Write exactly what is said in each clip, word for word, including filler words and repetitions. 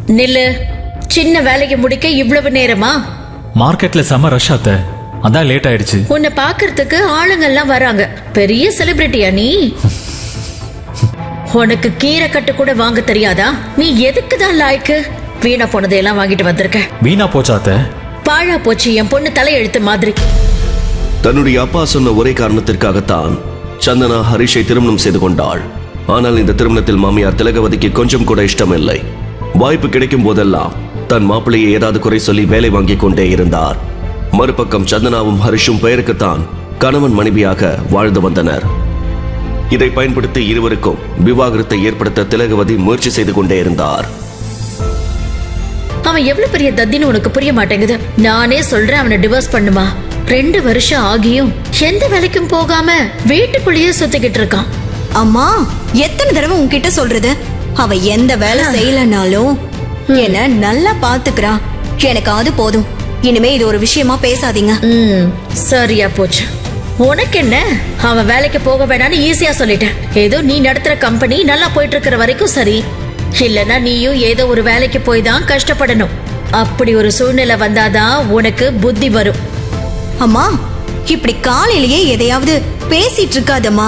நில்லு. சின்ன வேலைக்கு முடிக்க இவ்வளவு நேரமா? மார்க்கெட்ல செம ரஷ் ஆத்த, அதான் லேட் ஆயிடுச்சு. உன்னை பாக்குறதுக்கு ஆளுங்கெல்லாம் வராங்க. பெரிய செலிபிரிட்டியா நீ? உனக்கு கீரை கட்டு கூட வாங்க தெரியாதா? நீ எதுக்குதான் லாய்க்கு? வீணா போனதையெல்லாம் வாங்கிட்டு வந்திருக்க. வீணா போச்சாத்த? பாழா போச்சு என் பொண்ணு தலையெழுத்து மாதிரி. தன்னுடைய அப்பா சொன்ன ஒரே காரணத்திற்காகத்தான் சந்தனா ஹரிஷை திருமணம் செய்து கொண்டாள். ஆனால் இந்த திருமணத்தில் மாமியார் திலகவதிக்கு கொஞ்சம் கூட இஷ்டம் இல்லை. வாய்ப்பு கிடைக்கும் போதெல்லாம் தன் மாப்பிள்ளையை ஏதாவது குறை சொல்லி வேலை வாங்கிக் கொண்டே இருந்தார். மறுபக்கம் சந்தனாவும் ஹரிஷும் பெயருக்குத்தான் கணவன் மனைவியாக வாழ்ந்து வந்தனர். இதை பயன்படுத்தி இருவருக்கும் விவாகரத்தை ஏற்படுத்த திலகவதி முயற்சி செய்து கொண்டே இருந்தார். அவன் எவ்வளவு பெரிய தத்தின்னு உனக்கு புரிய மாட்டேங்குது. நானே சொல்றேன் அவனை டிவோர்ஸ் பண்ணுமா. ரெண்டு வருஷம் ஆகியும் எந்த வேலைக்கும் போகாம வீட்டுக்குள்ளேயே சுத்திக்கிட்டு இருக்கான். அம்மா, எத்தனை தடவை உன்கிட்ட சொல்றது? அவ எந்த வேலை செய்யலனாலும் என்ன நல்லா பாத்துக்கிறா. எனக்கு அது போதும். இனிமே இது ஒரு விஷயமா பேசாதீங்க. ம், சரியா போச்சு. உனக்கு என்ன? அவன் வேலைக்கு போக வேணான்னு ஈஸியா சொல்லிட்டேன். ஏதோ நீ நடத்துற கம்பெனி நல்லா போயிட்டு இருக்கிற வரைக்கும் சரி. இல்லனா நீயும் ஏதோ ஒரு வேலைக்கு போய் தான் கஷ்டப்படணும். அப்படி ஒரு சூழ்நிலை வந்தாதான் உனக்கு புத்தி வரும். அம்மா, இப்படி காலையிலேயே எதையாவது பேசிட்டு இருக்காதம்மா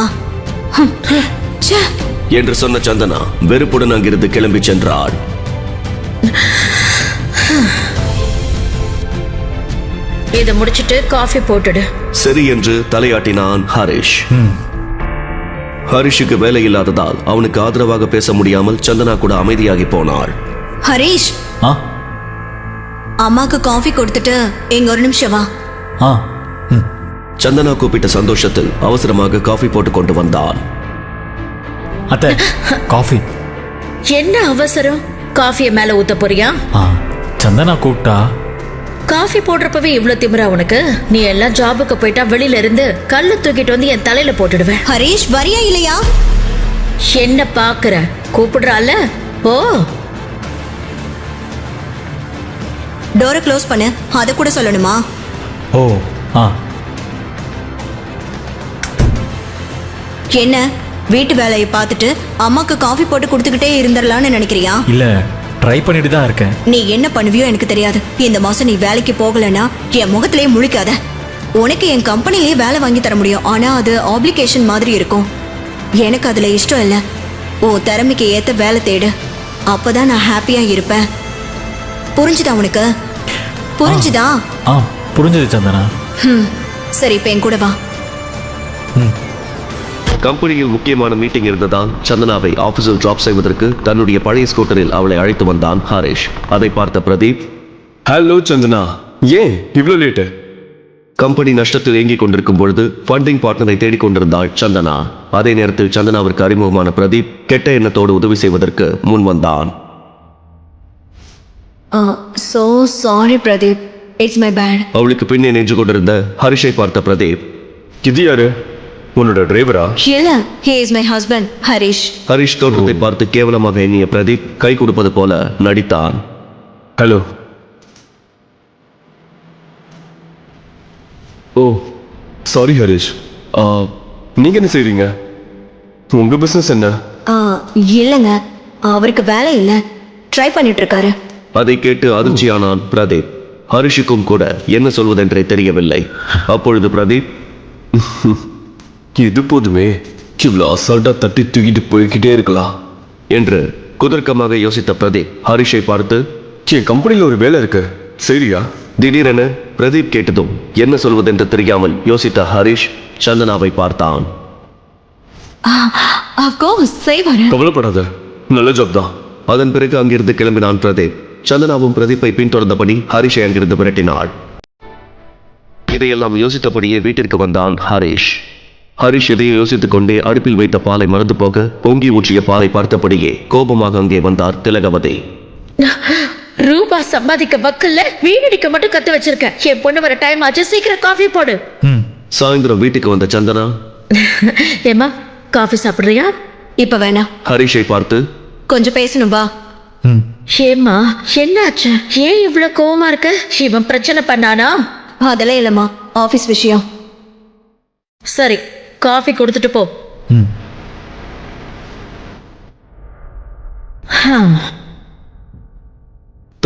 என்று சொன்ன சந்தனா வெறுப்புடன் அங்கிருந்து கிளம்பி சென்றாள். இதை முடிச்சிட்டு காஃபி போட்டுடு. சரி என்று தலையாட்டினான் ஹரிஷ். ஹரிஷுக்கு வேலை இல்லாததால் அவனுக்கு ஆதரவாக பேச முடியாமல் சந்தனா கூட அமைதியாகி போனாள். ஹரிஷ், அம்மாக்கு காஃபி கொடுத்துட்டு எங்க ஒரு நிமிஷம் வா. சந்தனா கூப்பிட்ட சந்தோஷத்தில் அவசரமாக காஃபி போட்டு கொண்டு வந்தான். அத்தை, காஃபி. என்ன அவசரம்? காஃபியை மேல ஊத்த போறியா? சந்தனா கூப்பிட்டா. காஃபி போடுறப்பவே இவ்வளவு திமிரா உனக்கு? நீ எல்லாம் ஜாபுக்கு போயிட்டா வெளியில இருந்து கல்லு தூக்கிட்டு வந்து என் தலையில போட்டுடுவேன். ஹரிஷ், வரியா இல்லையா? என்ன பாக்குற? கூப்பிடுறால? ஓ, டோரை க்ளோஸ் பண்ணு. அத கூட சொல்லணுமா? ஓ, ஆ. என்ன, வீட்டு வேலையை பார்த்துட்டு அம்மாக்கு காஃபி போட்டு கொடுத்துக்கிட்டே இருந்துடலான்னு நினைக்கிறியா? இல்ல, ட்ரை பண்ணிட்டு தான் இருக்கேன். நீ என்ன பண்ணுவியோ எனக்கு தெரியாது. இந்த மாசம் நீ வேலைக்கு போகலன்னா என் முகத்திலேயே முழிக்காத. உனக்கு என் கம்பெனிலேயே வேலை வாங்கி தர முடியும். ஆனா அது ஆப்ளிகேஷன் மாதிரி இருக்கும். எனக்கு அதுல இஷ்டம் இல்லை. ஓ, திறமைக்கு ஏத்த வேலை தேடு. அப்பதான் நான் ஹாப்பியா இருப்பேன். புரிஞ்சுதா உனக்கு? புரிஞ்சுதா? ஆ, புரிஞ்சது சந்தனா. ம், சரி, இப்ப என் கூட வா. கம்பெனியில் முக்கியமான மீட்டிங் இருந்ததால் சந்தனாவை ஆபீஸில் டிராப் செய்வதற்கு தன்னுடைய பழைய ஸ்கூட்டரில் அவளை அழைத்து வந்தான் ஹரிஷ். அதை பார்த்த பிரதீப், ஹலோ சந்தனா, ஏன் இவ்வளவு லேட்டு? கம்பெனி நஷ்டத்தில் இயங்கிக் கொண்டிருக்கும் பொழுது ஃபண்டிங் பார்ட்னரை தேடிக் கொண்டிருந்தாள் சந்தனா. அதே நேரத்தில் சந்தனாவிற்கு அறிமுகமான பிரதீப் கெட்ட எண்ணத்தோடு உதவி செய்வதற்கு முன் வந்தான். So sorry Pradeep, it's my bad. அவளுக்கு பின்னே நின்று கொண்டிருந்த ஹரிஷை பார்த்த பிரதீப், இது யாரு? உன்னோட டிரைவரா? இல்ல, he is my husband, Harish. Harish தோற்றத்தை பார்த்து கேவலமாக எண்ணிய பிரதீப் கை கொடுப்பது போல நடித்தான். ஹலோ. Oh, sorry Harish. நீங்க என்ன செய்றீங்க? உங்க பிசினஸ் என்ன? இல்லங்க, அவருக்கு வேலை இல்ல, ட்ரை பண்ணிட்டு இருக்காரு. அதை கேட்டு அதிர்ச்சியானான் பிரதீப். ஹரிஷுக்கும் கூட என்ன சொல்வதென்றே தெரியவில்லை. அப்பொழுது பிரதீப், இது போதுமே, இவ்வளோ அசால்ட்டா தட்டி தூக்கிட்டு போய்கிட்டே இருக்கலாம் என்று குதர்க்கமாக யோசித்த பிரதீப் ஹரிஷை பார்த்து, என் கம்பெனியில் ஒரு வேலை இருக்கு, சரியா? திடீரென பிரதீப் கேட்டதும் என்ன சொல்வதென்று தெரியாமல் யோசித்த ஹரிஷ் சந்தனாவை பார்த்தான். கவலைப்படாத, நல்ல ஜாப் தான். அதன் பிறகு அங்கிருந்து கிளம்பினான் பிரதீப். சந்தனாவும் பிரதீப்பை பின்தொடர்ந்தபடி ஹரிஷை அங்கிருந்து விரட்டினாள். இதையெல்லாம் யோசித்தபடியே வீட்டிற்கு வந்தான் ஹரிஷ். ஹரிஷ் இதையை யோசித்துக் கொண்டே அடுப்பில் வைத்த பாலை மறந்து போக பொங்கி ஊற்றிய பாலை பார்த்தபடியே கோபமாக அங்கே வந்தார் திலகவதி. ரூபா சம்பாதிக்க வக்கல்ல வீணடிக்க மட்டும் கத்து வச்சிருக்க. என் பொண்ணு வர டைம் ஆச்சு, சீக்கிரம் காஃபி போடு. சாயந்தரம் வீட்டுக்கு வந்த சந்தனா, ஏமா காஃபி சாப்பிடுறியா? இப்ப வேணாம். ஹரிஷை பார்த்து, கொஞ்சம் பேசணும் வா. ஏமா என்னாச்சு? ஏன் இவ்வளவு கோவமா இருக்க? இவன் பிரச்சனை பண்ணானா? அதெல்லாம் இல்லம்மா, ஆபீஸ் விஷயம். சரி, காஃபி கொடுத்துட்டு போ.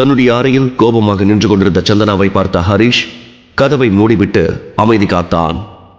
தன்னுடைய அறையில் கோபமாக நின்று கொண்டிருந்த சந்தனாவை பார்த்த ஹரிஷ் கதவை மூடிவிட்டு அமைதி காத்தான்.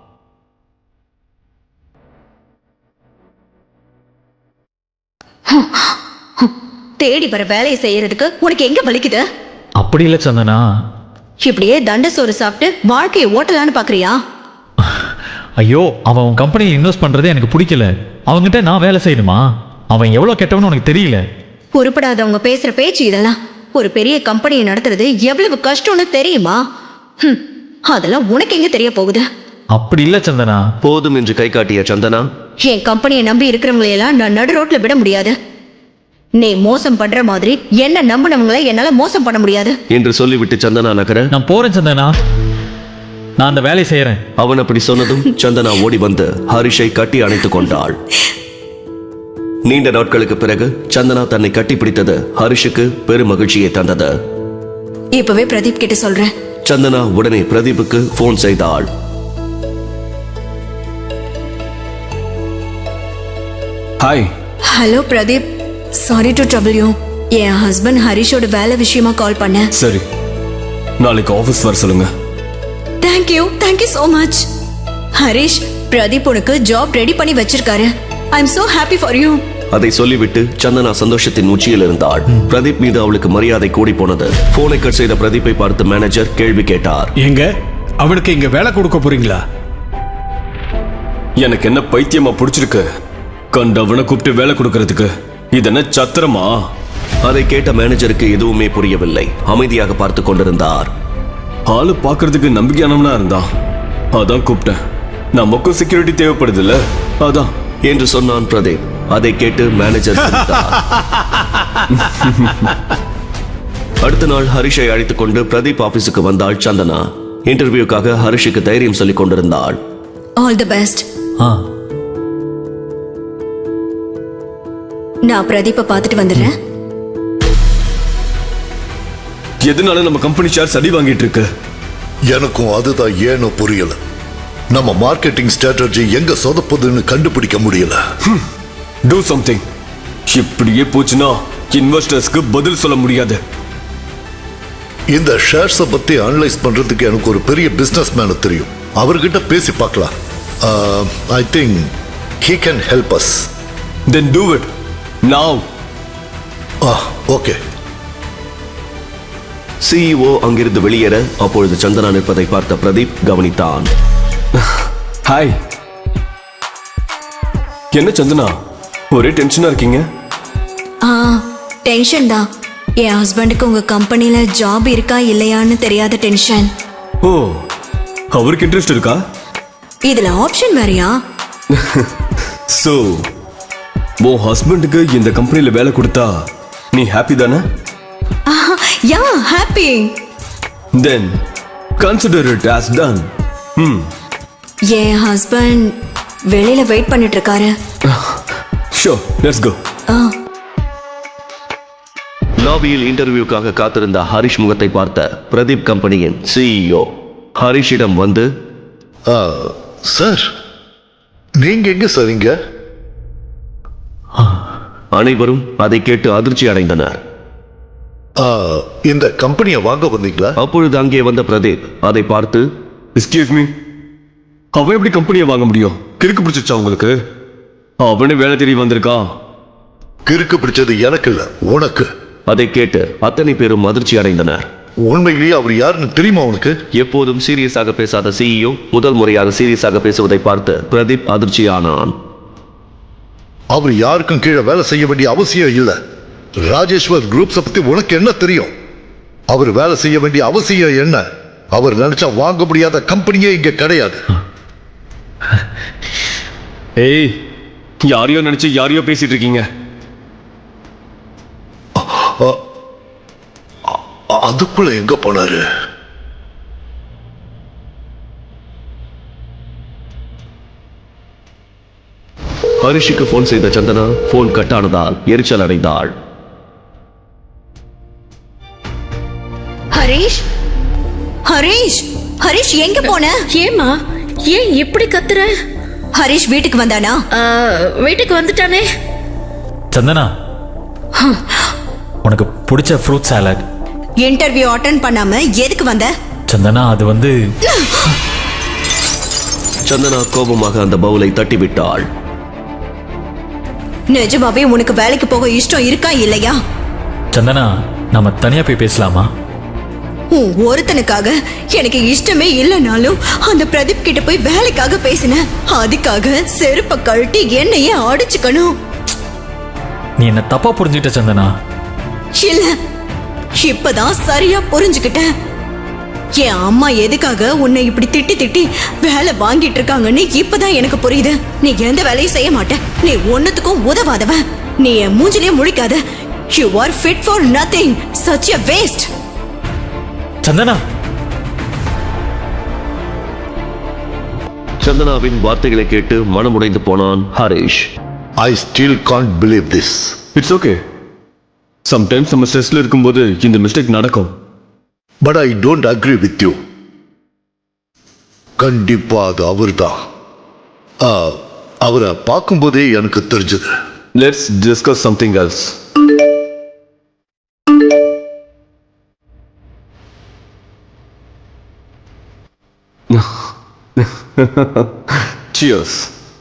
தேடி வர வேலையை செய்யறதுக்கு உனக்கு எங்க வலிக்குது? அப்படி இல்லை சந்தனா. இப்படியே தண்ட சோறு சாப்பிட்டு வாழ்க்கையை ஓட்டலான்னு பாக்குறியா? ஐயோ, அவன் உன் கம்பெனியில் இன்வெஸ்ட் பண்ணுறதே எனக்கு பிடிக்கல. அவங்ககிட்ட நான் வேலை செய்யணுமா? அவன் எவ்வளோ கெட்டவனு உனக்கு தெரியல. பொறுப்படாதவங்க பேசுற பேச்சு இதெல்லாம். ஒரு பெரிய கம்பெனியை நடத்துறது எவ்வளவு கஷ்டம்னு தெரியுமா? ஹம், அதெல்லாம் உனக்கு எங்க தெரிய போகுது? அப்படி இல்லை சந்தனா. போதும் என்று கை காட்டிய சந்தனா, என் கம்பெனியை நம்பி இருக்கிறவங்களையெல்லாம் நான் நடு ரோட்ல விட முடியாது. நீ மோசம் பண்ற மாதிரி என்ன நம்பினவங்களை என்னால மோசம் பண்ண முடியாது என்று சொல்லிவிட்டு சந்தனா நகர, நான் போறேன் சந்தனா, நான் அந்த வேலையை செய்யறேன். அவன் அப்படி சொன்னதும் சந்தனா ஓடி வந்து ஹரிஷை கட்டி அணைத்துக் கொண்டாள். நீண்ட நாட்களுக்கு பிறகு சந்தனா தன்னை கட்டி பிடித்தது ஹரிஷுக்கு பெரும் மகிழ்ச்சியை தந்தது. இப்பவே பிரதீப் கிட்ட சொல்றேன். சந்தனா உடனே பிரதீப்புக்கு போன் செய்தாள். Hi. Hello Pradeep, sorry to trouble you. என் ஹஸ்பண்ட் ஹரிஷோட வேலை விஷயமா கால் பண்ணேன். சரி, நாளைக்கு ஆஃபீஸ் வர சொல்லுங்க. Thank you thank you so much. Harish, Pradeep உனக்கு ஜாப் ரெடி பண்ணி வச்சிருக்காரு. I am so happy for you. அதை சொல்லிவிட்டு சந்தனா சந்தோஷத்தின் உச்சியில் இருந்தாள். பிரதீப் மீது அவளுக்கு மரியாதை கூடி போனது. போனை கட் செய்த பிரதீப்பை பார்த்து மேனேஜர் கேள்வி கேட்டார். எங்க அவனுக்கு இங்க வேலை கொடுக்க போறீங்களா? எனக்கு என்ன பைத்தியமா பிடிச்சிருக்கு கண்டவனை கூப்பிட்டு வேலை கொடுக்கறதுக்கு? இது என்ன சத்திரமா? அதை கேட்ட மேனேஜருக்கு எதுவுமே புரியவில்லை. அமைதியாக பார்த்து கொண்டிருந்தார். ஆளு பாக்குறதுக்கு நம்பிக்கையானவனா இருந்தான், அதான் கூப்பிட்டேன். நமக்கும் செக்யூரிட்டி தேவைப்படுது இல்ல, அதான் என்று சொன்னான் பிரதீப். அதை கேட்டு மேனேஜர் சிரித்தார். அடுத்த நாள் ஹரிஷை அழைத்துக் கொண்டு பிரதீப் ஆபீஸுக்கு வந்தாள் சந்தனா. இன்டர்வியூக்காக ஹரிஷுக்கு தைரியம் சொல்லிக் கொண்டிருந்தாள். All the best. ஆ, நான் பிரதீப்பை பார்த்துட்டு வந்துடுறேன். எதனால நம்ம கம்பெனி ஷேர் சடி வாங்கிட்டு இருக்கு? எனக்கும் அதுதான் ஏனோ புரியல. நம்ம மார்க்கெட்டிங் ஸ்ட்ராட்டஜி எங்க சொதப்புதுன்னு கண்டுபிடிக்க முடியல. Do something. இப்படியே போச்சுன்னா இன்வெஸ்டர்ஸ்க்கு பதில் சொல்ல முடியாது. இந்த ஷேர்ஸை பத்தி அனலைஸ் பண்றதுக்கு எனக்கு ஒரு பெரிய பிசினஸ் மேன தெரியும். அவர்கிட்ட பேசி பார்க்கலாம். I think he can help us. Then do it now. Okay. CEO அங்கிருந்து வெளியேற அப்பொழுது சந்தனா நிற்பதை பார்த்த பிரதீப் கவனித்தான். ஹாய். என்ன சந்தனா, ஒரே டென்ஷனா இருக்கீங்க? ஆ, டென்ஷன் தான். என் ஹஸ்பண்டுக்கு உங்க கம்பெனில ஜாப் இருக்கா இல்லையான்னு தெரியாத டென்ஷன். ஓ, அவருக்கு இன்ட்ரெஸ்ட் இருக்கா? இதுல ஆப்ஷன் வேறயா? சோ உன் ஹஸ்பண்டுக்கு இந்த கம்பெனில வேலை கொடுத்தா நீ ஹாப்பி தானே? Yeah, happy. Then consider it as done. Hmm. என் ஹஸ்பண்ட் வெளியில வெயிட் பண்ணிட்டு இருக்காரு. Sure, let's go. ஆ, லாபியில் இன்டர்வியூக்காக காத்திருந்த ஹரிஷ் முகத்தை பார்த்த பிரதீப் கம்பெனியின் சிஇஓ ஹரிஷிடம் வந்து, சார், நீங்க எங்க சரிங்க? அனைவரும் அதை கேட்டு அதிர்ச்சி அடைந்தனர். இந்த கம்பெனியை வாங்க வந்தீங்களா? அப்பொழுது அங்கே வந்த பிரதீப் அதை பார்த்து, Excuse me. அவன் எப்படி கம்பெனியை வாங்க முடியும்? கிறுக்கு பிடிச்சிச்சா உங்களுக்கு? அவனே வேலை தேடி வந்திருக்கான். கிறுக்கு பிடிச்சது எனக்கு இல்ல, உனக்கு. அதை கேட்டு அத்தனை பேரும் அதிர்ச்சி அடைந்தனர். உண்மையிலேயே அவர் யாருன்னு தெரியுமா உனக்கு? எப்போதும் சீரியஸாக பேசாத சிஇஓ முதல் முறையாக சீரியஸாக பேசுவதை பார்த்து பிரதீப் அதிர்ச்சியானான். அவர் யாருக்கும் கீழே வேலை செய்ய வேண்டிய அவசியம் இல்லை. ராஜேஸ்வர் குரூப்ஸை பத்தி உனக்கு என்ன தெரியும்? அவர் வேலை செய்ய வேண்டிய அவசியம் என்ன? அவர் நினைச்சா வாங்க முடியாத கம்பெனியே இங்க கிடையாது. ஏய், யாரையோ நினைச்சு யாரையோ பேசிட்டு இருக்கீங்க. அதுக்குள்ள எங்க போனாரு? ஹரிஷுக்கு போன் செய்த சந்தனா போன் கட்டானதால் எரிச்சல் அடைந்தாள். ஹரிஷ், ஹரிஷ், ஹரிஷ் எங்க போன? ஏமா ஏன் இப்படி கத்துற? ஹரிஷ் வீட்டுக்கு வந்தானா? ஆ, வீட்டுக்கு வந்துட்டானே. சந்தனா, உனக்கு பிடிச்ச ஃப்ரூட் சாலட் இன்டர்வியூ அட்டென்ட் பண்ணாம எதுக்கு வந்த? சந்தனா அது வந்து சந்தனா கோபமாக அந்த பவுலை தட்டிவிட்டாள். நிஜமாவே உனக்கு வேலைக்கு போக இஷ்டம் இருக்கா இல்லையா? சந்தனா நம்ம தனியா போய் பேசலாமா? உன் ஒருத்தனுக்காக எனக்கு இஷ்டமே இல்லைனாலும் அந்த பிரதீப் கிட்ட போய் வேலைக்காக பேசினேன். அதுக்காக செருப்ப கழட்டி என்னையே அடிச்சுக்கணும். நீ என்ன தப்பா புரிஞ்சுக்கிட்ட சந்தனா. இல்ல, இப்பதான் சரியா புரிஞ்சுக்கிட்டேன். என் அம்மா எதுக்காக உன்னை இப்படி திட்டி திட்டி வேலை வாங்கிட்டு இருக்காங்கன்னு இப்பதான் எனக்கு புரியுது. நீ எந்த வேலையும் செய்ய மாட்ட, நீ ஒன்னுத்துக்கும் உதவாதவன். நீ என் மூஞ்சிலே முழிக்காத. You are fit for nothing. Such a waste. Santhana சந்தனாவின் வார்த்தைகளை கேட்டு மனமுடைந்து போனான் Harish. I still can't believe this. It's okay. Sometimes நம்ம ஸ்ட்ரெஸ்ல இருக்கும்போது இந்த மிஸ்டேக் நடக்கும். But I don't agree with you. கண்டிப்பா அது அவர்தான். ஆ, அவரை பார்க்கும்போதே எனக்கு தெரிஞ்சது. Let's discuss something else. Cheers.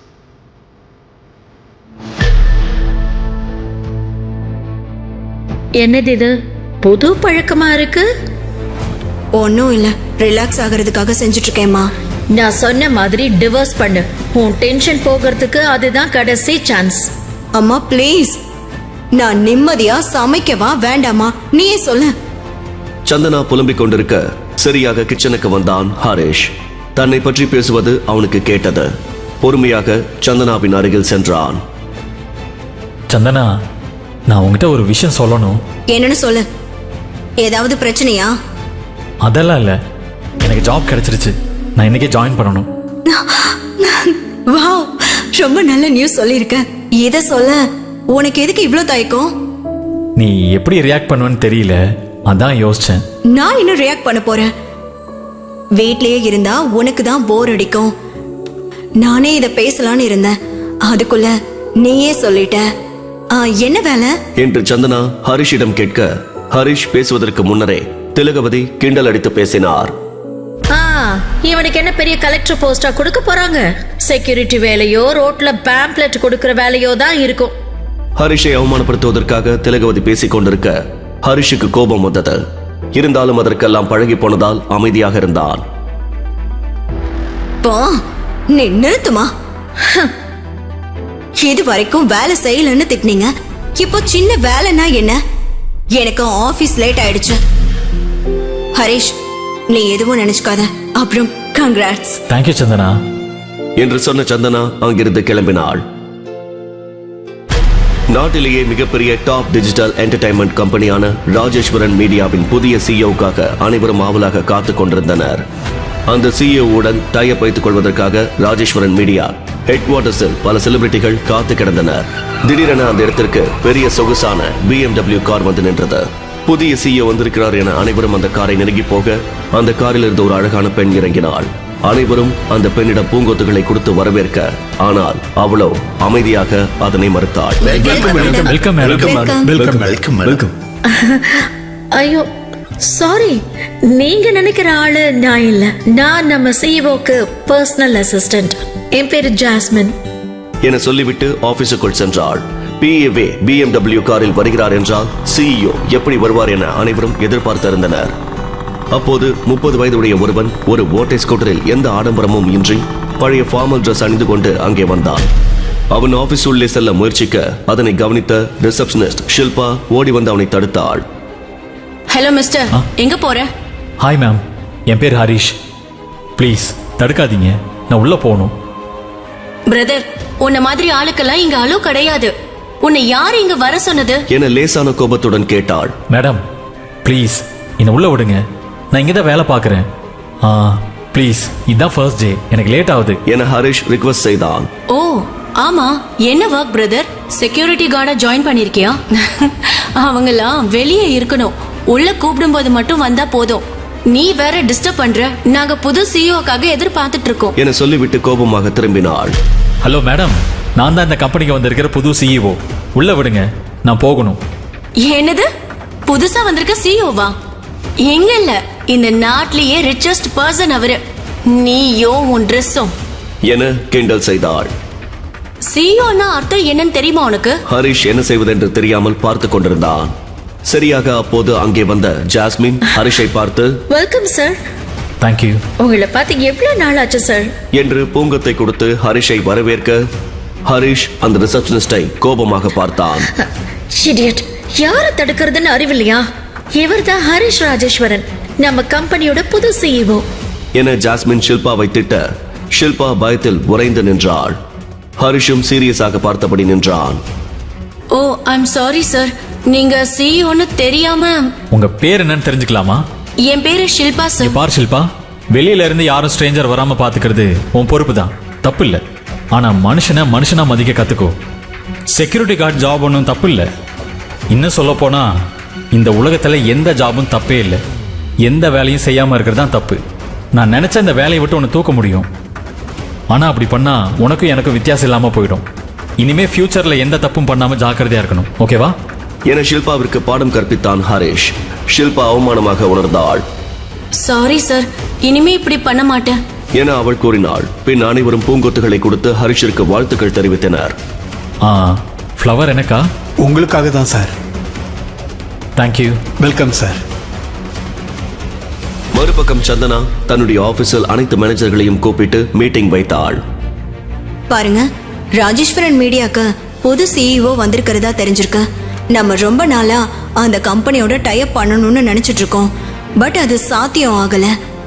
என்னது இது புது பழக்கமா இருக்கு? ஒன்னும் இல்ல, ரிலாக்ஸ் ஆகிறதுக்காக செஞ்சுட்டு இருக்கேம்மா. நான் சொன்ன மாதிரி டிவோர்ஸ் பண்ணு. உன் டென்ஷன் போகிறதுக்கு அதுதான் கடைசி சான்ஸ். அம்மா ப்ளீஸ், நான் நிம்மதியா சமைக்கவா வேண்டாமா நீயே சொல்ல. சந்தனா புலம்பிக் கொண்டிருக்க சரியாக கிச்சனுக்கு வந்தான் ஹரிஷ். தன்னை பற்றி பேசுவது அவனுக்கு கேட்டது. பொறுமையாக சந்தனாவின் அருகில் சென்றான். சந்தனா நான் உங்ககிட்ட ஒரு விஷயம் சொல்லணும். என்னன்னு சொல்லு. ஏதாவது பிரச்சனையா? அதெல்லாம் இல்லை, எனக்கு ஜாப் கிடைச்சிருச்சு. நான் இன்னைக்கே ஜாயின் பண்ணணும். வாவ், ரொம்ப நல்ல நியூஸ் சொல்லியிருக்க. இத சொல்ல உனக்கு எதுக்கு இவ்ளோ தயக்கம்? நீ எப்படி ரியாக்ட் பண்ணுவேன்னு தெரியல, அதான் யோசிச்சேன். நான் இன்னும் ரியாக்ட் பண்ண போறேன். வீட்லயே இருந்தா உனக்கு தான் போர் அடிக்கும். நானே இத பேசலான்னு இருந்தேன், அதுக்குள்ள நீயே சொல்லிட்ட. ஆ, என்ன வேலை என்று சந்தனா ஹரிஷிடம் கேட்க, ஹரிஷ் பேசுவதற்கு முன்னரே திலகவதி கிண்டல் அடித்து பேசினார். ஆ, இவனுக்கு என்ன பெரிய கலெக்டர் போஸ்டா கொடுக்க போறாங்க? செக்யூரிட்டி வேலையோ ரோட்ல பேம்ப்ளெட் கொடுக்கிற வேலையோ தான் இருக்கும். ஹரிஷை அவமானப்படுத்துவதற்காக திலகவதி பேசிக் கொண்டிருக்க ஹரிஷுக்கு கோபம் வந்தது. இருந்தாலும் அதற்கெல்லாம் பழகி போனதால் அமைதியாக இருந்தான். போ, நீ நிறுத்துமா. இது வரைக்கும் வேலை செய்யலன்னு திட்டினீங்க, இப்போ சின்ன வேலைன்னா என்ன? எனக்கு ஆபீஸ் லேட் ஆயிடுச்சு. ஹரிஷ், நீ எதுவும் நினைச்சுக்காத. அப்புறம் கங்க்ராட்ஸ். தேங்க்யூ சந்தனா என்று சொன்ன சந்தனா அங்கிருந்து கிளம்பினாள். நாட்டிலேயே மிகப்பெரிய டாப் டிஜிட்டல் என்டர்டைன்மெண்ட் கம்பெனியான ராஜேஸ்வரன் மீடியாவின் புதிய சிஇஓக்காக அனைவரும் ஆவலாக காத்துக் கொண்டிருந்தனர். அந்த சிஇஓவுடன் டைப் வைத்துக் கொள்வதற்காக ராஜேஸ்வரன் மீடியா ஹெட் குவார்ட்டர்ஸில் பல செலிபிரிட்டிகள் காத்து கிடந்தனர். திடீரென அந்த இடத்திற்கு பெரிய சொகுசான பி எம் டபிள்யூ கார் வந்து நின்றது. புதிய சிஇஓ வந்திருக்கிறார் என அனைவரும் அந்த காரை நெருங்கி போக அந்த காரில் இருந்து ஒரு அழகான பெண் இறங்கினாள். அனைவரும் அந்த பெண்ணிடம் பூங்கொத்துகளை கொடுத்து வரவேற்க, ஆனால் அவளோ அமைதியாக அதனை மறுத்தாள். Welcome welcome welcome welcome. ஐயோ சாரி, நீங்க நினைக்கிற ஆளு நான் இல்ல. நான் நம்ம சிஇஓக்கு பர்சனல் அசிஸ்டன்ட். என் பேரு ஜாஸ்மின் என சொல்லிவிட்டு ஆபீஸுக்குள் சென்றாள். பிஏவே பி எம் டபிள்யூ காரில் வருகிறார் என்றால் சிஇஓ எப்படி வருவார் என அனைவரும் எதிர்பார்த்திருந்தனர். அப்போது முப்பது வயதுடைய ஒருவன் ஒரு ஓட்டை ஸ்கூட்டரில் எந்த ஆடம்பரமும் இன்றி பழைய ஃபார்மல் டிரெஸ் அணிந்து கொண்டு அங்கே வந்தான். அவன் ஆபீஸ் உள்ளே செல்ல முயற்சிக்க அதனை கவனித்த ரிசப்ஷனிஸ்ட் ஷில்பா ஓடி வந்து அவனை தடுத்தாள். ஹலோ மிஸ்டர், எங்க போற? ஹாய் மேம், என் பேர் ஹரிஷ். ப்ளீஸ் தடுக்காதீங்க, நான் உள்ள போகணும். பிரதர், உன்ன மாதிரி ஆளுக்கெல்லாம் இங்க அலோ கிடையாது. உன்னை யார் இங்க வர சொன்னது என லேசான கோபத்துடன் கேட்டாள். மேடம் ப்ளீஸ் என்னை உள்ள விடுங்க, நான் இங்கே தான் வேலை பார்க்குறேன். ஆ ப்ளீஸ், இதுதான் ஃபர்ஸ்ட் டே, எனக்கு லேட் ஆகுது என ஹரிஷ் ரிக்வெஸ்ட் செய்தான். ஓ ஆமா, என்ன ஒர்க் பிரதர்? செக்யூரிட்டி கார்டா ஜாயின் பண்ணிருக்கியா? அவங்கெல்லாம் வெளியே இருக்கணும், உள்ள கூப்பிடும் போது மட்டும் வந்தா போதும். நீ வேற டிஸ்டர்ப் பண்ற. நாங்க புது சிஇஓக்காக எதிர்பார்த்துட்டு இருக்கோம் என சொல்லிவிட்டு கோபமாக திரும்பினாள். ஹலோ மேடம், நான் தான் இந்த கம்பெனிக்கு வந்திருக்கிற புது சிஇஓ. உள்ள விடுங்க, நான் போகணும். என்னது, புதுசா வந்திருக்க சிஇஓவா? எங்க இல்ல இந்த நாட்டிலேயே ரிச்சஸ்ட் பர்சன் அவரு. நீயோ உன் ட்ரெஸ்ஸும். என கிண்டல் செய்தாள். சிஇஓன்னா அர்த்தம் என்னன்னு தெரியுமா உனக்கு? ஹரிஷ் என்ன செய்வதென்று தெரியாமல் பார்த்து கொண்டிருந்தான். சரியாக அப்போது அங்கே வந்த ஜாஸ்மின் ஹரிஷை பார்த்து வெல்கம் சார். தேங்க்யூ. உங்களை பார்த்து எவ்வளவு நாள் ஆச்சு சார் என்று பூங்கத்தை கொடுத்து ஹரிஷை வரவேற்க ஹரிஷ் அந்த ரிசப்ஷனிஸ்டை கோபமாக பார்த்தான். இடியட், யாரை தடுக்கிறதுன்னு அறிவில்லையா? இவர்தான் ஹரிஷ் ராஜேஸ்வரன், நம்ம கம்பெனியோட புது சிஇஓ என ஜாஸ்மின் ஷில்பாவை திட்ட ஷில்பா பயத்தில் உறைந்து நின்றாள். ஹரிஷும் சீரியஸாக பார்த்தபடி நின்றான். ஓ ஐம் சாரி சார், நீங்க சிஇஓன்னு தெரியாம. உங்க பேர் என்னன்னு தெரிஞ்சுக்கலாமா? என் பேரு ஷில்பா இங்க சார். பார் ஷில்பா, வெளியில இருந்து யாரும் ஸ்ட்ரேஞ்சர் வராம பாத்துக்கிறது உன் பொறுப்பு தான், தப்பு இல்ல. ஆனா மனுஷனை மனுஷனா மதிக்க கத்துக்கோ. செக்யூரிட்டி கார்டு ஜாப் ஒன்றும் தப்பு இல்லை. இன்னும் சொல்ல போனா இந்த உலகத்துல எந்த ஜாபும் தப்பே இல்லை. எந்த வேலையும் செய்யாம இருக்கிறது தான் தப்பு. நான் நினைச்ச இந்த வேலையை விட்டு உன்னை தூக்க முடியும். ஆனா அப்படி பண்ணா உனக்கும் எனக்கும் வித்தியாசம் இல்லாம போயிடும். இனிமே ஃபியூச்சர்ல எந்த தப்பும் பண்ணாம ஜாக்கிரதையா இருக்கணும், ஓகேவா? என ஷில்பாவிற்கு பாடம் கற்பித்தான் ஹரிஷ். ஷில்பா அவமானமாக உணர்ந்தாள். சாரி சார், இனிமே இப்படி பண்ண மாட்டேன் என அவள் கூறினாள். பின் அனைவரும் பூங்கொத்துகளை கொடுத்து ஹரிஷிற்கு வாழ்த்துக்கள் தெரிவித்தனர். ஆ, ஃப்ளவர் எனக்கா? உங்களுக்காக தான் சார். தேங்க்யூ. Welcome sir. மறுபக்கம் சந்தனா தன்னுடைய ஆபீஸில் அனைத்து மேனேஜர்களையும் கூப்பிட்டு மீட்டிங் வைத்தாள். பாருங்க, ராஜேஸ்வரன் மீடியாக்கு புது சிஇஓ வந்திருக்கிறதா தெரிஞ்சிருக்கு. நம்ம ரொம்ப நாளா அந்த கம்பெனியோட டைப் பண்ணணும்னு நினைச்சிட்டு இருக்கோம். பட் அது சாத்தியம் ஆகல.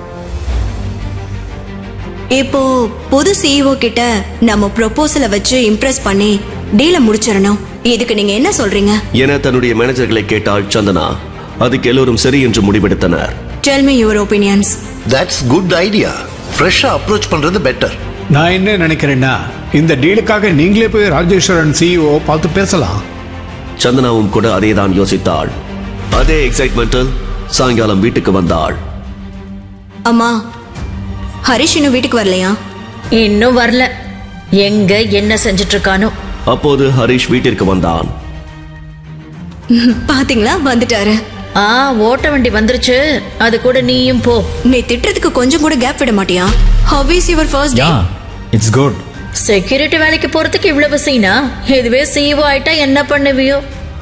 இப்போ புது சிஇஓ கிட்ட நம்ம ப்ரொபோசலை வச்சு இம்ப்ரெஸ் பண்ணி டீலை முடிச்சிடணும். இதுக்கு நீங்க என்ன சொல்றீங்க? என தன்னுடைய மேனேஜர்களை கேட்டாள் சந்தனா. அதுக்கு எல்லோரும் சரி என்று முடிவெடுத்தனர். Tell me your opinions. That's good idea. ஃப்ரெஷ்ஷா அப்ரோச் பண்றது பெட்டர். நான் என்ன நினைக்கிறேன்னா, இந்த டீலுக்காக நீங்களே போய் ராஜேஸ்வரன் சிஇஓ பார்த்து பேசலாம். சந்தனாவும் கூட அதேதான் யோசித்தாள். அதே எக்ஸைட்மெண்டில் சாயங்காலம் வீட்டுக்கு வந்தாள். அம்மா, ஹரிஷ் இன்னும் வீட்டுக்கு வரலையா? இன்னும் வரல. எங்க என்ன செஞ்சுட்டு இருக்கானோ. அப்போது ஹரிஷ் வீட்டிற்கு வந்தான். பாத்தீங்களா, வந்துட்டாரு. ஆ, ஓட்ட வண்டி வந்துருச்சு. அது கூட நீயும் போ. நீ திட்டுறதுக்கு கொஞ்சம் கூட கேப் விட மாட்டியா? How is your first day? Yeah, it's good. Security வேலைக்கு போறதுக்கு இவ்வளவு சீனா? இதுவே சிஇஓ ஆயிட்டா என்ன பண்ணுவியோ?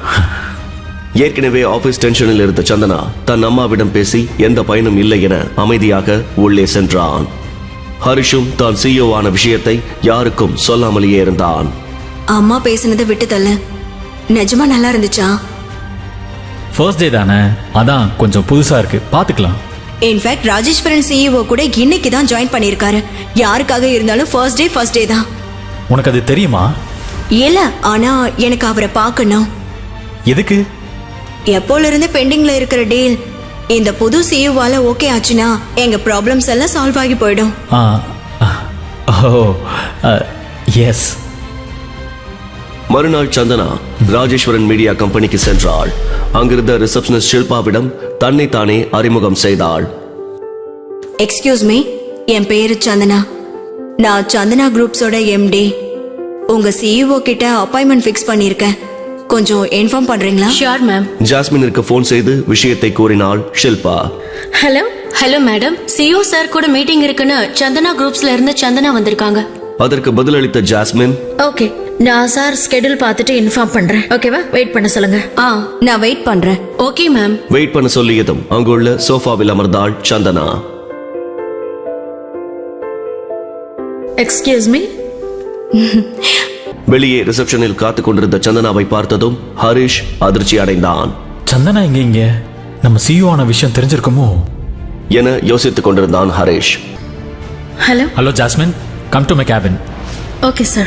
ஏற்கனவே ஆபீஸ் டென்ஷனில் இருந்த சந்தனா தன் அம்மாவிடம் பேசி எந்த பயனும் இல்லை என அமைதியாக உள்ளே சென்றான். ஹரிஷும் தான் சிஇஓ ஆன விஷயத்தை யாருக்கும் சொல்லாமலேயே இருந்தான். அம்மா பேசினதை விட்டு தள்ளு. நிஜமா நல்லா இருந்துச்சா? ஃபர்ஸ்ட் டே தானே, அதான் கொஞ்சம் புதுசா இருக்கு, பாத்துக்கலாம். இன்ஃபேக்ட் ராஜேஸ்வரன் சிஇஓ கூட இன்னைக்கு தான் ஜாயின் பண்ணியிருக்காரு. யாருக்காக இருந்தாலும் ஃபர்ஸ்ட் டே ஃபர்ஸ்ட் டே தான். உனக்கு அது தெரியுமா? இல்ல, ஆனா எனக்கு அவரை பார்க்கணும். எதுக்கு? எப்போல இருந்து பெண்டிங்ல இருக்கிற டீல் இந்த புது சிஇஓவால ஓகே ஆச்சுன்னா எங்க ப்ராப்ளம்ஸ் எல்லாம் சால்வ் ஆகி போயிடும். Ah, oh, yes. மறுநாள் சந்தனா ராஜேஸ்வரன் மீடியா கம்பெனிக்கு சென்றாள். அங்கிருந்த ரிசப்ஷனிஸ்ட் ஷில்பாவிடம் தன்னை தானே அறிமுகம் செய்தாள். எக்ஸ்கியூஸ் மீ, என் பேரு சந்தனா. நான் சந்தனா குரூப்ஸோட எம்டி. உங்க சிஇஓ கிட்ட அப்பாயின்மெண்ட் ஃபிக்ஸ் பண்ணியிருக்கேன். கொஞ்சம் இன்ஃபார்ம் பண்றீங்களா? Sure ma'am. ஜாஸ்மினிற்கு போன் செய்து விஷயத்தை கூறினாள் Shilpa. Hello hello madam, CEO sir கூட மீட்டிங் இருக்குன்னு சந்தனா குரூப்ஸ்ல இருந்து சந்தனா வந்திருக்காங்க. அதற்கு பதிலளித்த ஜாஸ்மின், ஓகே, நான் சார் ஸ்கெடியூல் பார்த்துட்டு இன்ஃபார்ம் பண்றேன். ஓகேவா? வெயிட் பண்ண சொல்லுங்க. ஆ, நான் வெயிட் பண்றேன். Okay ma'am. வெயிட் பண்ண சொல்லியதும் அங்குள்ள சோஃபாவில் அமர்ந்தாள் சந்தனா. Excuse me. வெளியே ரிசப்ஷனில் காத்துக் கொண்டிருந்த சந்தனாவை பார்த்ததும் ஹரிஷ் அதிர்ச்சி அடைந்தான். சந்தனா இங்க இங்க நம்ம சிஇஓ ஆன விஷயம் தெரிஞ்சிருக்குமோ என யோசித்துக் கொண்டிருந்தான் Harish. Hello. Hello Jasmine, come to my cabin. Okay sir.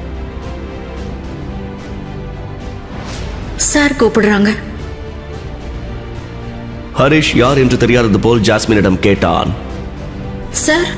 Sir கூப்பிடுறாங்க. ஹரிஷ் யார் என்று தெரியாதது போல் ஜாஸ்மினிடம் கேட்டான். சார்,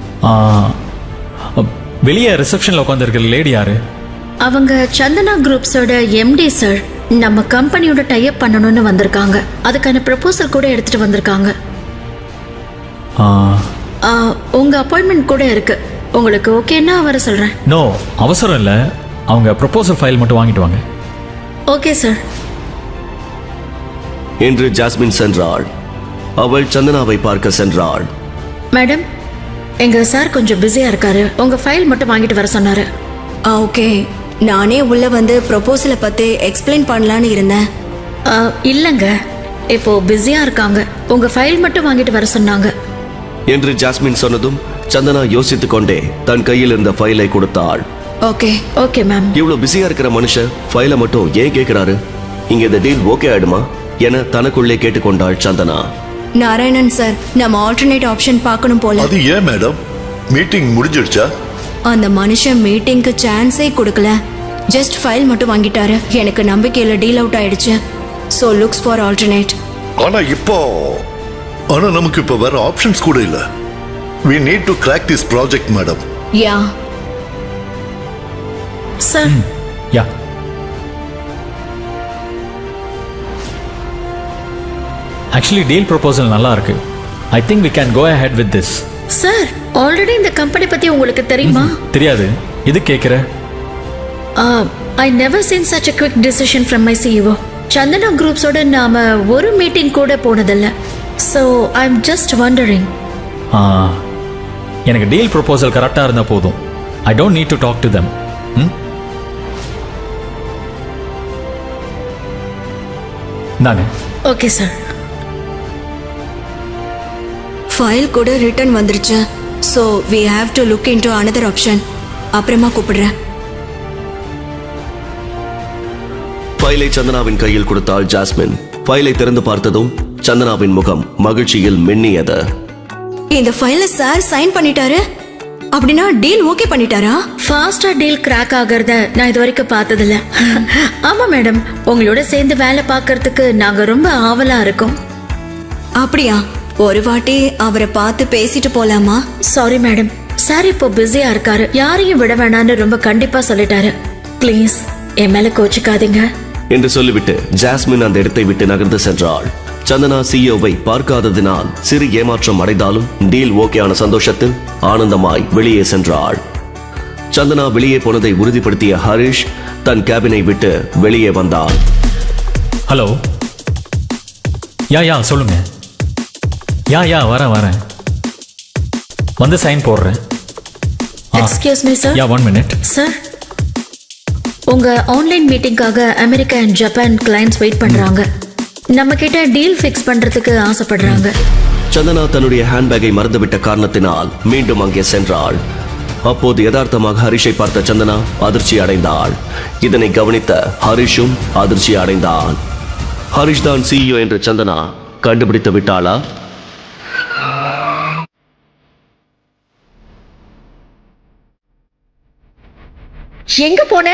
வெளியே ரிசப்ஷன்ல உட்காந்துருக்கிற லேடி யாரு? அவங்க சந்தனா குரூப்ஸோட எம்டி சார். நம்ம கம்பெனியோட டைப் பண்ணணும்னு வந்திருக்காங்க. அதுக்கான ப்ரப்போசல் கூட எடுத்துட்டு வந்திருக்காங்க. ஆ, ஆ, உங்க அப்பாயின்மெண்ட் கூட இருக்கு. உங்களுக்கு ஓகேன்னா வர சொல்றேன். நோ, அவசரம் இல்லை. அவங்க ப்ரொபோசல் ஃபைல் மட்டும் வாங்கிட்டு வாங்க. Okay sir. என்று ஜாஸ்மின் சென்றாள். அவள் சந்தனாவை பார்க்க சென்றாள். மேடம், எங்க சார் கொஞ்சம் பிஸியா இருக்காரு. உங்க ஃபைல் மட்டும் வாங்கிட்டு வர சொன்னாரு. ஆ ஓகே, நானே உள்ள வந்து ப்ரொபோசலை பத்தி எக்ஸ்பிளைன் பண்ணலான்னு இருந்தேன். ஆ, இல்லங்க, இப்போ பிஸியா இருக்காங்க. உங்க ஃபைல் மட்டும் வாங்கிட்டு வர சொன்னாங்க என்று ஜாஸ்மின் சொன்னதும் சந்தனா யோசித்துக் கொண்டே தன் கையில் இருந்த ஃபைலை கொடுத்தாள். Okay okay ma'am. இவ்வளவு பிஸியா இருக்கிற மனுஷன் ஃபைலை மட்டும் ஏன் கேட்கிறாரு? இங்க இந்த டீல் ஓகே ஆயிடுமா என தனக்குள்ளே கேட்டுக்கொண்டாள் சந்தனா. நாராயணன் சார், நம்ம ஆல்டர்னேட் ஆப்ஷன் பார்க்கணும் போல. அது ஏன் மேடம்? மீட்டிங் முடிஞ்சிடுச்சா? அந்த மனுஷன் மீட்டிங்க்கு சான்ஸே கொடுக்கல. ஜஸ்ட் ஃபைல் மட்டும் வாங்கிட்டாரு. எனக்கு நம்பிக்கையில டீல் அவுட் ஆயிடுச்சு. So looks for alternate. ஆனா இப்போ ஆனா நமக்கு இப்போ வேற ஆப்ஷன்ஸ் கூட இல்ல. we need to crack this project madam. Yeah sir, yeah, actually deal proposal நல்லா இருக்கு. I think we can go ahead with this. Sir, already இந்த கம்பெனி பத்தி உங்களுக்கு தெரியுமா? தெரியாது, இது கேட்குற. I never seen such a quick decision from my C E O. Chandana குரூப்ஸோட நாம ஒரு மீட்டிங் கூட போனதில்ல. So I am just wondering. எனக்கு டீல் ப்ரொபோசல் கரெக்டாக இருந்தால் போதும். I don't need to talk to them. தாங்க. Okay sir. ஃபைல் கூட ரிட்டர்ன் வந்துருச்சு. So we have to look into another option. அப்புறமா கூப்பிடுறேன். ஃபைலை சந்தனாவின் கையில் கொடுத்தாள் ஜாஸ்மின். ஃபைலை திறந்து பார்த்ததும் சந்தனாவின் முகம் மகிழ்ச்சியில் மின்னியது. இந்த ஃபைல சார் சைன் பண்ணிட்டாரு. அப்படின்னா டீல் ஓகே பண்ணிட்டாரா? ஃபாஸ்டா டீல் கிராக் ஆகிறத நான் இது வரைக்கும் பார்த்ததில்ல. ஆமா மேடம், உங்களோட சேர்ந்து வேலை பார்க்கறதுக்கு நாங்க ரொம்ப ஆவலா இருக்கோம். அப்படியா? ஒரு வாட்டி அவரை பார்த்து பேசிட்டு போலாமா? சாரி மேடம், சார் இப்போ பிஸியா இருக்காரு. யாரையும் விட வேணான்னு ரொம்ப கண்டிப்பா சொல்லிட்டாரு. ப்ளீஸ் என் மேல கோச்சிக்காதீங்க என்று சொல்லிவிட்டு ஜாஸ்மின் அந்த இடத்தை விட்டு நகர்ந்து சென்றாள். சந்தனா சிஇஓவை பார்க்காததினால் சிறு ஏமாற்றம் அடைந்தாலும் டீல் ஓகேயான சந்தோஷத்தில் ஆனந்தமாய் வெளியே சென்றாள். சந்தனா வெளியே போனதை உறுதிப்படுத்திய ஹரிஷ் தன் கேபினை விட்டு வெளியே வந்தாள். ஹலோ. யா யா சொல்லுங்க. யா யா வரேன் வரேன் வந்து சைன் போடுறேன். Excuse me sir. Yeah one minute. Sir, உங்க ஆன்லைன் மீட்டிங்காக America and Japan clients wait பண்றாங்க. நம்ம கிட்ட டீல் ஃபிக்ஸ் பண்றதுக்கு ஆசைப்படுறாங்க. சந்தனா தன்னுடைய ஹேண்ட்பேக்கை மறந்துவிட்ட காரணத்தினால் மீண்டும் அங்கே சென்றாள். அப்போது யதார்த்தமாக ஹரிஷை பார்த்த சந்தனா அதிர்ச்சி அடைந்தாள். இதனை கவனித்த ஹரிஷும் அதிர்ச்சி அடைந்தான். ஹரிஷ் தான் சிஇஓ என்று சந்தனா கண்டுபிடித்து விட்டாளா? எங்க போன?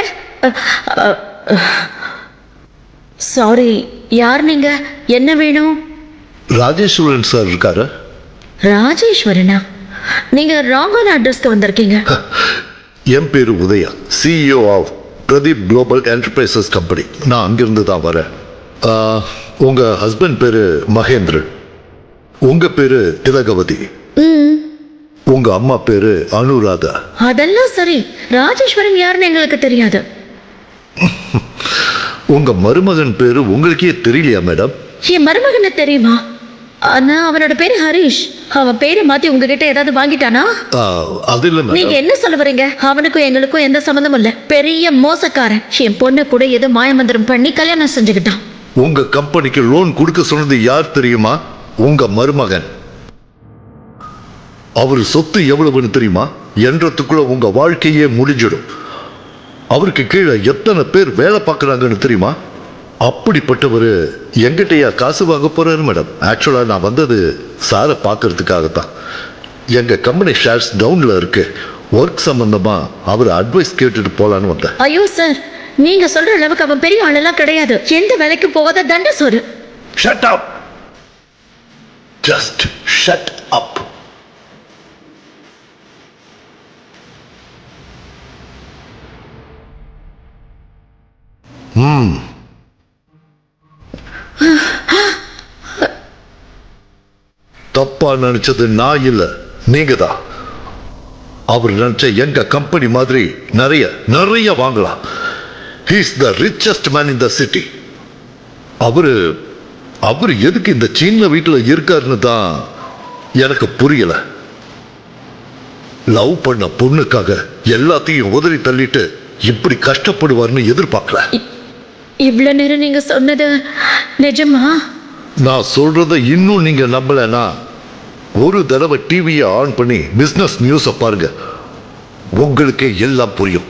சாரி, யார் நீங்க? என்ன வேணும்? ராஜேஸ்வரன் சார் இருக்காரு? ராஜேஸ்வரனா? நீங்க ராங்கான அட்ரஸ்க்கு வந்திருக்கீங்க. என் பேரு Udaya, CEO of Pradeep global enterprises company. நான் அங்கிருந்து தான் வரேன். ஆ, உங்க ஹஸ்பண்ட் பேரு மகேந்திரன், உங்க பேரு திலகவதி, உங்க அம்மா பேரு அனுராதா. அதெல்லாம் சரி, ராஜேஸ்வரன் யாருன்னு எங்களுக்கு தெரியாது. உங்க மருமகன் பேரு உங்களுக்கே தெரியலையா மேடம்? என் மருமகனை தெரியுமா? ஆனா அவனோட பேரு ஹரிஷ். அவன் பேரை மாத்தி உங்ககிட்ட ஏதாவது வாங்கிட்டானா? ஆ, அது இல்ல நீங்க மேடம். என்ன சொல்ல வரீங்க? அவனுக்கும் எங்களுக்கும் எந்த சம்மந்தமும் இல்ல. பெரிய மோசக்காரன். என் பொண்ணு கூட ஏதோ மாயமந்திரம் பண்ணி கல்யாணம் செஞ்சுக்கிட்டான். உங்க கம்பெனிக்கு லோன் கொடுக்க சொன்னது யார் தெரியுமா? உங்க மருமகன். அவர் சொத்து எவ்வளவுன்னு தெரியுமா? என்றதுக்குள்ள உங்க வாழ்க்கையே முடிஞ்சிடும். அவருக்கு கீழே எத்தனை பேர் வேலை பார்க்கறாங்கன்னு தெரியுமா? அப்படிப்பட்டவர் எங்கிட்டயா காசு வாங்க போறாரு மேடம். ஆக்சுவலா நான் வந்தது சாரை பார்க்கறதுக்காகத்தான். எங்க கம்பெனி ஷேர்ஸ் டவுன்ல இருக்கு. ஒர்க் சம்பந்தமா அவர் அட்வைஸ் கேட்டுட்டு போலான்னு வந்தேன். ஐயோ சார், நீங்க சொல்ற அளவுக்கு அவன் பெரிய ஆளெல்லாம் கிடையாது. எந்த வேலைக்கு போகாத தண்ட சோறு. Shut up. Just shut up. ம். தப்பா நினைச்சது நான் இல்ல, நீங்க தான். அவர் நினைச்ச எங்க கம்பெனி மாதிரி நிறைய நிறைய வாங்கலாம். He is the richest man in the city. அவரு அவர் எதுக்கு இந்த சின்ன வீட்டுல இருக்காருன்னு தான் எனக்கு புரியல. லவ் பண்ண பொண்ணுக்காக எல்லாத்தையும் உதறி தள்ளிட்டு இப்படி கஷ்டப்படுவார்னு எதிர்பார்க்கல. இவ்வளவு நேரம் நீங்க சொன்னது நிஜமா? நான் சொல்றத இன்னும் நீங்க நம்பலனா ஒரு தடவை டிவியை ஆன் பண்ணி பிசினஸ் நியூஸை பாருங்க, உங்களுக்கே எல்லாம் புரியும்.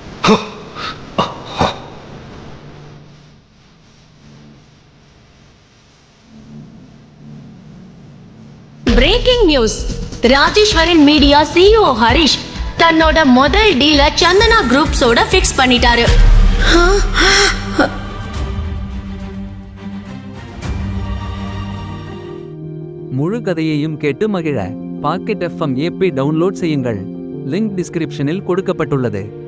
Breaking news. Rajeswaran media CEO Harish தன்னோட முதல் டீல சந்தனா குரூப்ஸோட ஃபிக்ஸ் பண்ணிட்டாரு. முழு கதையையும் கேட்டு மகிழ பாக்கெட் எஃப்எம் ஏபி டவுன்லோட் செய்யுங்கள். லிங்க் டிஸ்கிரிப்ஷனில் கொடுக்கப்பட்டுள்ளது.